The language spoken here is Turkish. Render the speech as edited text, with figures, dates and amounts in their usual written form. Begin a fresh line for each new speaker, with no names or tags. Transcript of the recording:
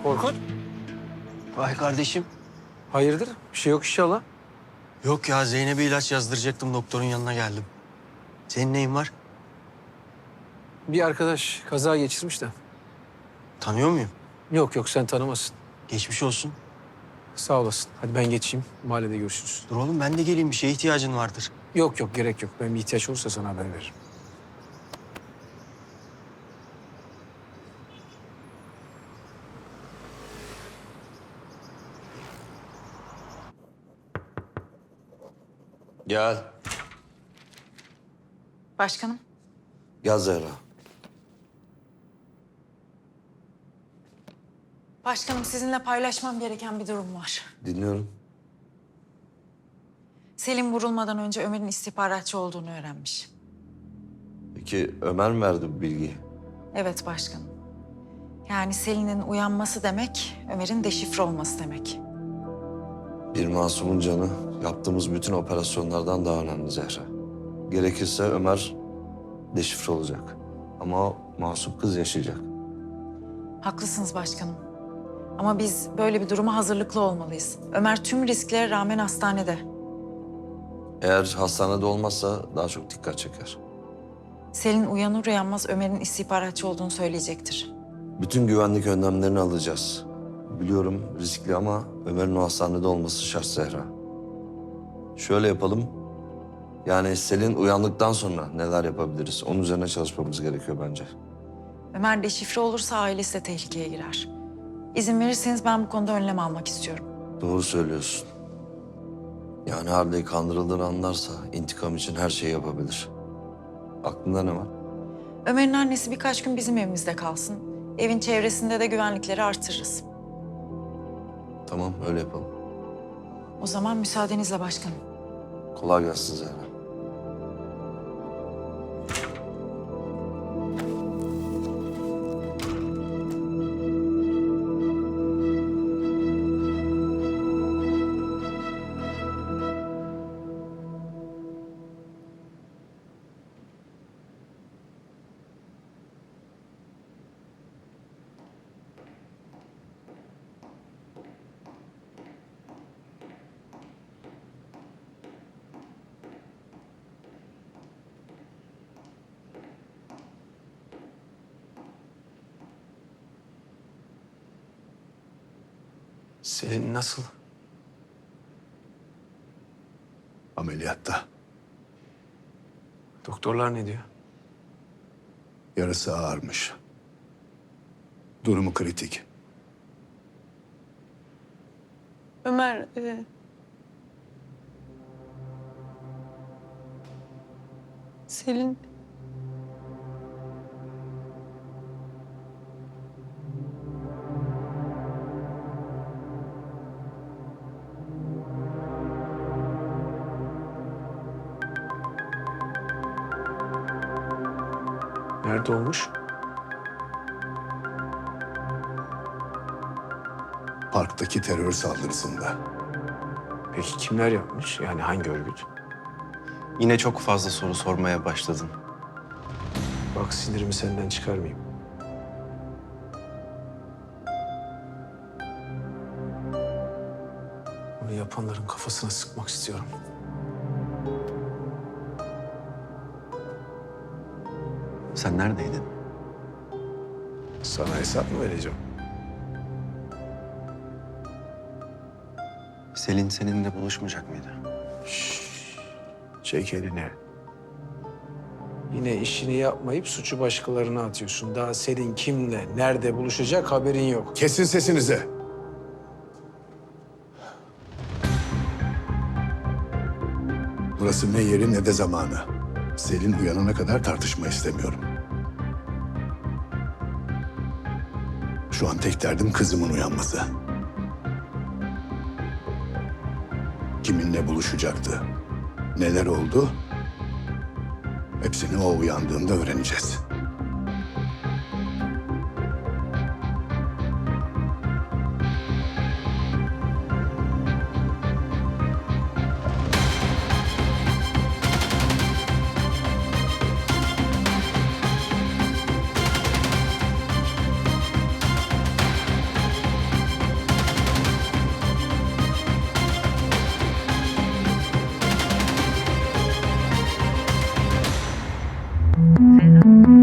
Korkut.
Vay kardeşim.
Hayırdır? Bir şey yok inşallah.
Yok ya, Zeynep'e ilaç yazdıracaktım, doktorun yanına geldim. Senin neyin var?
Bir arkadaş kaza geçirmiş de.
Tanıyor muyum?
Yok yok sen tanımazsın.
Geçmiş olsun.
Sağ olasın. Hadi ben geçeyim. Mahallede görüşürüz.
Dur oğlum, ben de geleyim, bir şeye ihtiyacın vardır.
Yok yok gerek yok. Ben bir ihtiyaç olursa sana haber veririm.
Gel.
Başkanım,
Gel Zehra.
başkanım sizinle paylaşmam gereken bir durum var.
Dinliyorum.
Selim vurulmadan önce Ömer'in istihbaratçı olduğunu öğrenmiş.
Peki Ömer mi verdi bu bilgiyi?
Evet başkanım. Yani Selin'in uyanması demek, Ömer'in deşifre olması demek.
Bir masumun canı yaptığımız bütün operasyonlardan daha önemli Zehra. Gerekirse Ömer deşifre olacak. Ama o masum kız yaşayacak.
Haklısınız başkanım. Ama biz böyle bir duruma hazırlıklı olmalıyız. Ömer tüm risklere rağmen hastanede.
Eğer hastanede olmazsa daha çok dikkat çeker.
Selin uyanır uyanmaz Ömer'in istihbaratçı olduğunu söyleyecektir.
Bütün güvenlik önlemlerini alacağız. Biliyorum riskli ama Ömer'in o hastanede olması şart Zehra. Şöyle yapalım. Yani Selin uyandıktan sonra neler yapabiliriz? Onun üzerine çalışmamız gerekiyor bence.
Ömer deşifre olursa ailesi de tehlikeye girer. İzin verirseniz ben bu konuda önlem almak istiyorum.
Doğru söylüyorsun. Yani Harley kandırıldığını anlarsa intikam için her şeyi yapabilir. Aklında ne var?
Ömer'in annesi birkaç gün bizim evimizde kalsın. Evin çevresinde de güvenlikleri artırırız.
Tamam öyle yapalım.
O zaman müsaadenizle başkanım.
Kolay gelsin Zehra.
Selin nasıl?
Ameliyatta.
Doktorlar ne diyor?
Yarası ağırmış. Durumu kritik.
Ömer, Selin...
Nerede olmuş?
Parktaki terör saldırısında.
Peki kimler yapmış? Yani hangi örgüt?
Yine çok fazla soru sormaya başladın.
Bak sinirimi senden çıkarmayayım. Bunu yapanların kafasına sıkmak istiyorum.
Sen neredeydin?
Sana hesap mı vereceğim?
Selin seninle buluşmayacak mıydı?
Çek elini. Yine işini yapmayıp suçu başkalarına atıyorsun. Daha senin kimle, nerede buluşacak haberin yok.
Kesin sesinizi. Burası ne yeri ne de zamanı. Selin uyanana kadar tartışma istemiyorum. Şu an tek derdim kızımın uyanması. Kiminle buluşacaktı? Neler oldu? Hepsini o uyandığında öğreneceğiz.
Müzik